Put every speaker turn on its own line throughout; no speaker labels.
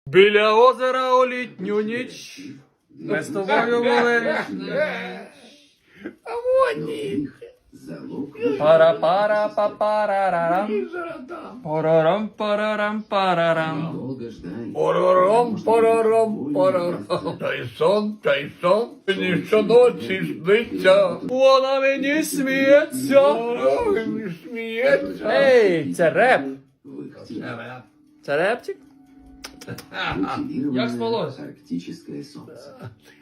Біля озера у літню ніч ми з тобою були.
А вони.
Пара-пара-па-парарарам. Парарам-парарам-парарам.
Парарам. Та й сон, мені щоночі сниться.
Вона мені сміється.
Ой, сміється.
Ей, це реп. Це репчик? Як спалось?
Арктическое солнце.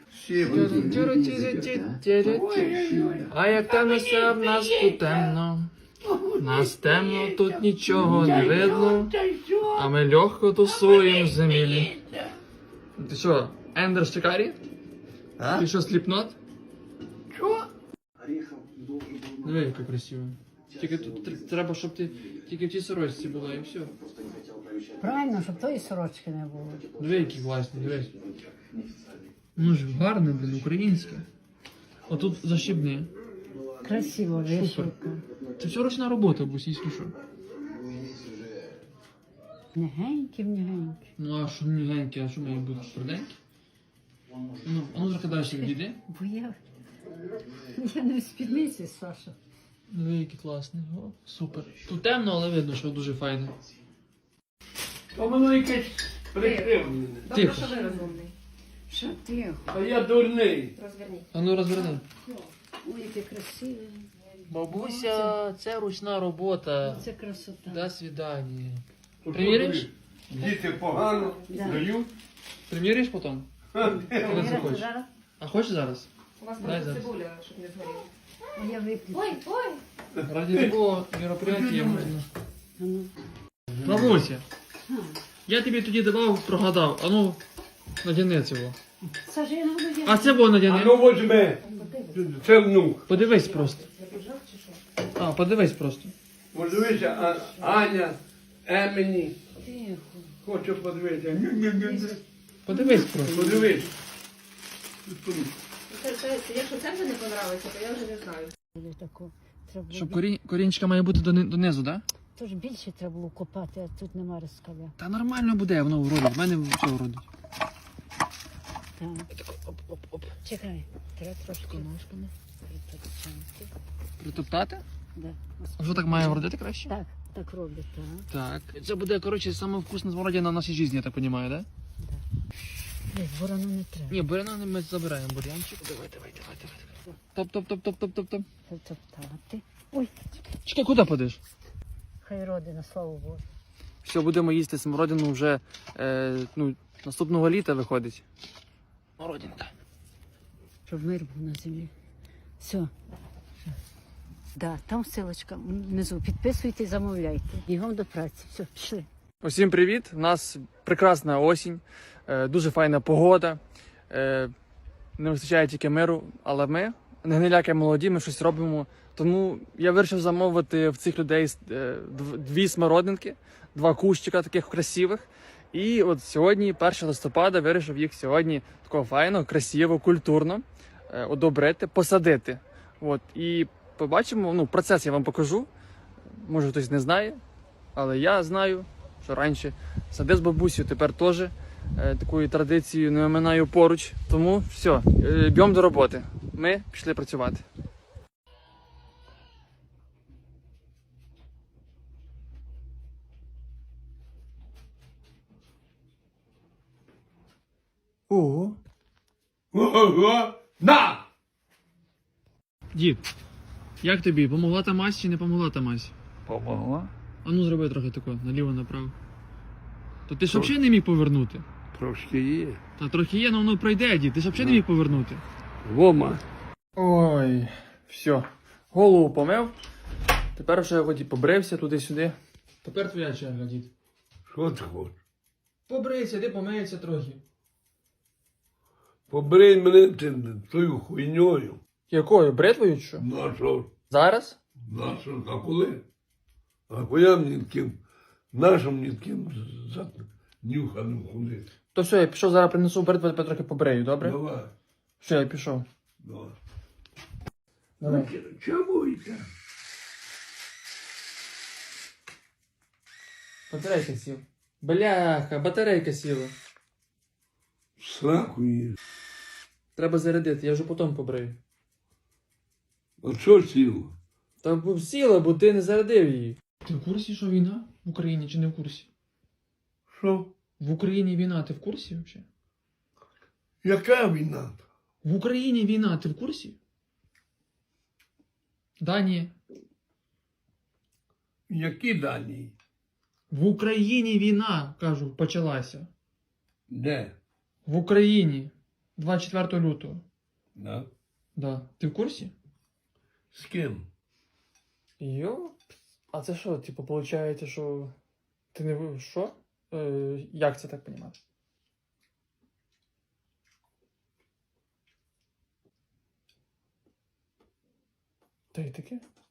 А як темно все в нас тут темно. Нас темно, тут нічого не видно. А ми легко тусуємо в землі. Ти що, Ендер Шикарі?
А?
Ти що, сліпнот?
Що?
Диви, яка красива. Тільки тут треба, щоб ти тільки в тій сорочці була і все.
Правильно, щоб тої сорочки не було.
Диви, які класні, дивись. Ну ж гарне, блін, українське. Отут защібне.
Красиво, вишивка.
Це все ручна робота, бусі, що.
Негенькі.
Ну а що мігеньке, а що має бути тверденьке? Ну, а ну трохи далі відійди.
Бо я не в спідниці, Саша.
Диви, які класні. О, супер. Тут темно, але видно, що дуже файне.
То воно якесь прикривлене.
Тихо.
Що ви розумний?
Що ти?
А я дурний.
Розверніть.
А ну розверни.
Ой, яке красиве.
Бабуся, це ручна робота.
Це красота.
До свидання. Приміриш?
Діти погано
Да.
дають.
Приміриш потім? Коли захочеш.
Зараз?
А хочеш зараз?
У вас
Дай
просто
зараз.
цибуля, щоб не згоріла.
А я виключу.
Ой!
Ради такого мероприятия можна.
А ну.
Бабуся, я тобі тоді давав, прогадав. А ну, надяни цього.
Саша, я не буду
А
діяти.
це було
А
надяни.
ну возьми. Це внук.
Подивись просто. А, подивись просто.
Подивися, Аня, Емені.
Тихо.
Хочу подивитися. Ню-ню-ню-ню.
Подивись просто.
Подивись.
Якщо це вже не понравиться, то я вже не знаю.
Таку. Треба
Щоб
було...
корінчика має бути донизу, так? Да?
Тож більше треба було копати, а тут нема розкаля.
Та нормально буде, воно вродить. В мене все вродить.
Так.
Оп-оп-оп.
Чекай, треба трошки
Ножками.
притопчати.
Притоптати?
Да.
А що так має вродити краще?
Так, так роблять, так.
Так. Це буде, коротше, саме вкусна смородина в нашій житті, я так розумію, так? Да?
Ні, ворону не треба.
Ні, буряна ми забираємо бурянчик. Давай. Топ.
Притоптати. Ой,
Чекай, куди подиш?
хай родина, слава Богу.
Все, будемо їсти смородину вже наступного літа виходить. Смородинка.
Щоб мир був на землі. Все. Да, там ссылочка внизу. Підписуйте, замовляйте. Бігом до праці. Все, пішли.
Усім привіт! У нас прекрасна осінь, дуже файна погода. Не вистачає тільки миру, але ми, не гниляки молоді, ми щось робимо. Тому я вирішив замовити в цих людей 2 смородинки, 2 кущика таких красивих. І от сьогодні, 1 листопада, вирішив їх сьогодні такого файно, красиво, культурно одобрити, посадити. От. І побачимо, процес я вам покажу. Може хтось не знає, але я знаю, що раніше садив з бабусею, тепер теж такою традицією не оминаю поруч. Тому все, б'ємо до роботи. Ми пішли працювати. Ого.
Ого! На!
Дід, як тобі? Помогла та мазь чи не помогла та мазь?
Помогла?
А ну зроби трохи тако, наліво-направо. То ти ж взагалі не міг повернути?
Трошки є.
Та трохи є, але воно пройде, дід. Ти ж взагалі не міг повернути.
Вома.
Ой, все. Голову помив. Тепер вже ході побрився туди-сюди. Тепер твоя черга, дід.
Що ти хочеш?
Побрийся, ти помиється трохи.
Побрий мене тою хуйньою.
Якою? Бритвою чи що?
На що?
Зараз?
На що? А коли? А коли мені таким, нашим мені таким нюханим ходити?
То все, я пішов, зараз принесу бритву, тепер трохи побрею, добре?
Давай.
Все, я пішов.
Давай.
Давай.
Чому йде?
Батарейка сіла. Бляха, батарейка сіла.
Сраку її.
Треба зарядити, я вже потім побрию.
А що сіло?
Та б сіла, бо ти не зарядив її. Ти в курсі, що війна в Україні чи не в курсі?
Що?
В Україні війна, ти в курсі взагалі?
Яка війна?
В Україні війна, ти в курсі? Да, ні.
Які дані?
В Україні війна, кажу, почалася.
Де?
В Україні. 24 лютого.
Да?
Да. Ти в курсі?
З ким?
Йо? А це що, типу, виходить, що ти не ви- що? Як це так понімати? Та й таке?